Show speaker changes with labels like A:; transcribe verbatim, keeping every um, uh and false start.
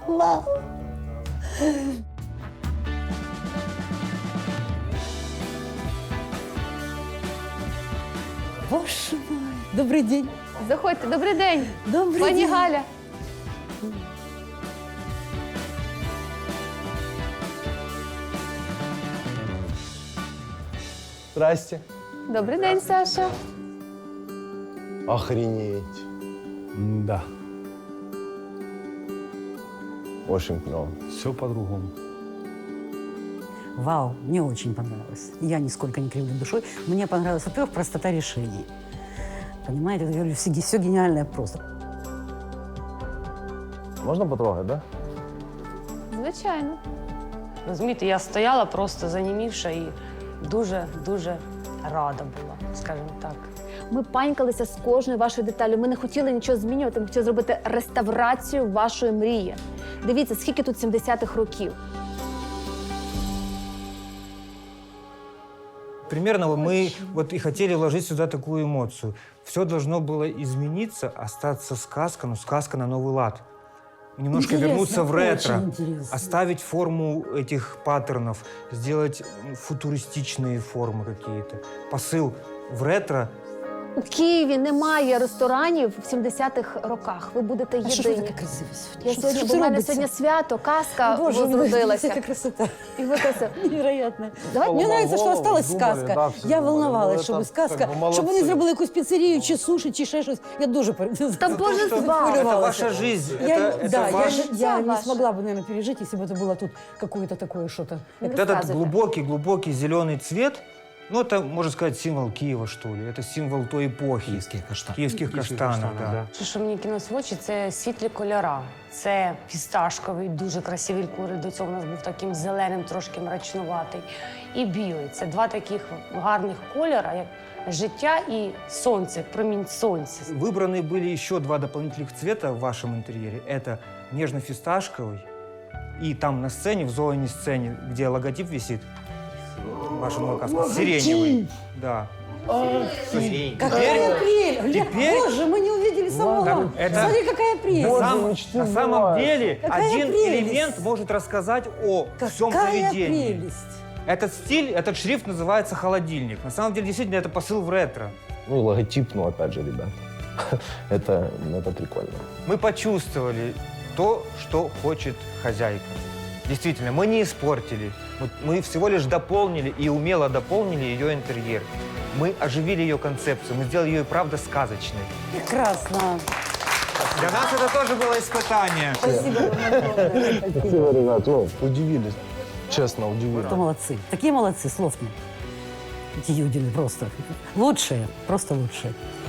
A: Вау. Боже мой. Добрий день.
B: Заходьте, добрий день.
A: Добрий
B: Пані
A: день.
B: Галя.
C: Здрасте.
B: Добрий день, Саша.
C: Охренеть.
D: Да,
C: Очень клево.
D: все по-другому.
A: Вау, мне очень понравилось. Я нисколько не кривлю душой. Мне понравилась, во-первых, простота решений. Понимаете, я говорю, все, все гениальное просто.
C: Можна потрогати, да?
B: Звичайно.
E: Розумієте, я стояла просто занімівша і дуже-дуже рада була, скажімо так.
B: Ми панькалися з кожною вашою деталлю. Ми не хотіли нічого змінювати, ми хотіли зробити реставрацію вашої мрії. Дивіться, скільки тут сімдесятих років.
F: Примерно мы вот и хотели вложить сюда такую эмоцию. Все должно было измениться, остаться сказка, но сказка на новый лад. Немножко
A: Интересно,
F: вернуться в ретро,
A: очень интересно.
F: оставить форму этих паттернов, сделать футуристичные формы какие-то. Посыл в ретро.
B: У Києві немає ресторанів в сімдесятих роках. Ви будете
A: А що ж ви
B: єдині.
A: така красива сьогодні?
B: Я
A: Що-
B: сьогодні,
A: що
B: бо
A: це
B: в мене
A: робиться?
B: сьогодні свято, казка
A: Боже мой,
B: возродилася.
A: это красота.
B: І ви красиво.
A: Невероятно.
B: Давайте.
A: Мне нравится, что
C: голову
A: осталась
C: думали,
A: сказка.
C: да, всі
A: Я
C: думали.
A: волновалась,
C: Ну,
A: щоб
C: это
A: сказка,
C: как бы молодці.
A: щоб вони зробили якусь піцерію, чи суші, чи ще щось. Я дуже
B: Та Боже
F: Это,
B: з вами.
F: это ваша жизнь,
A: Я,
F: это, это
A: да,
F: ваш...
A: я, я не
B: ваша.
A: смогла бы, наверное, пережить, если бы это было тут какое-то такое что-то.
B: Не
F: Вот этот
B: розказуйте.
F: глубокий-глубокий зеленый цвет, ну, это, можно сказать, символ Киева, что ли. Это символ той эпохи.
D: Киевских каштанов.
F: Киевских каштанов, да.
E: Що, що мені кинулось в очі, це світлі кольора. Це фісташковий, дуже красивий кольор. До цього у нас був таким зеленим, трошки мрачнуватий. І білий. Це два таких гарних кольора, як життя і сонце, промінь сонця.
F: Выбраны были еще два дополнительных цвета в вашем интерьере. Это нежно-фисташковый и там на сцене, в зоне сцене, где логотип висит, ваша молокаска, сиреневый. Да.
A: Какая прелесть! Гля-
F: теперь-
A: Боже, мы не увидели самого.
F: Так, это-
A: Смотри, какая
F: На,
A: прелесть!
F: сам-
C: мечты
F: на самом
C: сбываются.
F: деле
A: Какая
F: один
A: прелесть!
F: элемент может рассказать о всем
A: Какая
F: заведении.
A: прелесть!
F: Этот стиль, этот шрифт называется холодильник. На самом деле, действительно, это посыл в ретро.
C: Ну и логотип, ну опять же, ребята. это, это прикольно.
F: Мы почувствовали то, что хочет хозяйка. Действительно, мы не испортили. Мы, мы всего лишь дополнили и умело дополнили ее интерьер. Мы оживили ее концепцию, мы сделали ее и правда сказочной.
A: Прекрасно.
F: Для нас это тоже было испытание.
A: Спасибо вам огромное.
C: Спасибо, ребят. Ну, удивились. Честно, удивились.
A: Это молодцы. Такие молодцы, слов нет. Эти юдины просто. Лучшие, просто лучшие.